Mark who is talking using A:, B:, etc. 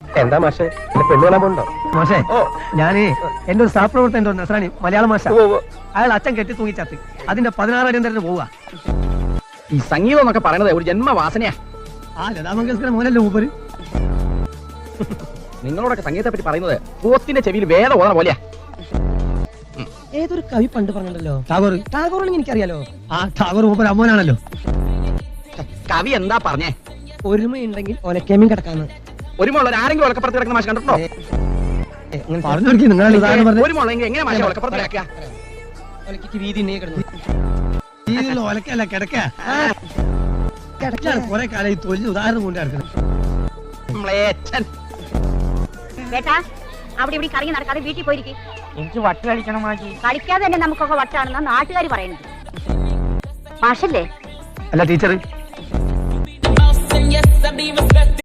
A: എന്താ മാഷെ പെണ്ണുകളാൻ പോണ്ടോ?
B: മാഷേ ഞാനേ എന്റെ ഒരു സഹപ്രവർത്തകൻ നസ്രാണി മലയാള മാഷ. അയാൾ അച്ഛൻ കെട്ടി തൂങ്ങിച്ചാത്തി. അതിന്റെ 16 അടിയന്തരത്തിന് പോവുക.
C: ഈ സംഗീതം എന്നൊക്കെ പറയുന്നത് ഒരു ജന്മവാസനയാ.
B: ആ ലതാ മങ്കേഷ്കർ മോനല്ലേ മൂപ്പര്.
C: നിങ്ങളോടൊക്കെ സംഗീതത്തെ പറ്റി പറയുന്നത് പോത്തിന്റെ ചെവിയിൽ വേദ ഓതാ പോലെയാ.
B: ഏതൊരു കവി പണ്ട് പറഞ്ഞല്ലോ ടാഗോറാണെങ്കിൽ എനിക്കറിയാലോ. ആ ടാഗോർ മൂപ്പര് അമ്മോനാണല്ലോ.
C: കവി എന്താ പറഞ്ഞേ?
B: ഒരുമയുണ്ടെങ്കിൽ ഒലക്കേമ്യം കിടക്കാന്ന്.
C: ഒരു മുള്ള ആരെങ്കിലും ഒലക്കപ്പുറത്ത് കിടക്കുന്ന മാഷ് കണ്ടിട്ടുണ്ടോ?
B: പറഞ്ഞു കൊടുക്കി നിങ്ങൾ
C: ഒരു മുളെങ്കിൽ എങ്ങനെ മാഷ ഒലക്കപ്പുറത്ത് കിടക്കുക?
B: വീതി കിടന്നു ഒലക്കല്ല കിടക്കാണ് കുറെ കാലം ഈ തൊഴിൽ ഉദാഹരണം കൊണ്ട് കിടക്കുന്നത്.
D: അവിടെ ഇവിടെ കറങ്ങി നടക്കാതെ വീട്ടിൽ പോയിരിക്കും.
E: എനിക്ക് വട്ട് കളിക്കണം മാറ്റി.
D: കളിക്കാതെ തന്നെ നമുക്കൊക്കെ വട്ടാണെന്നാ നാട്ടുകാർ പറയുന്നത്. മാഷല്ലേ?
B: അല്ല ടീച്ചർ.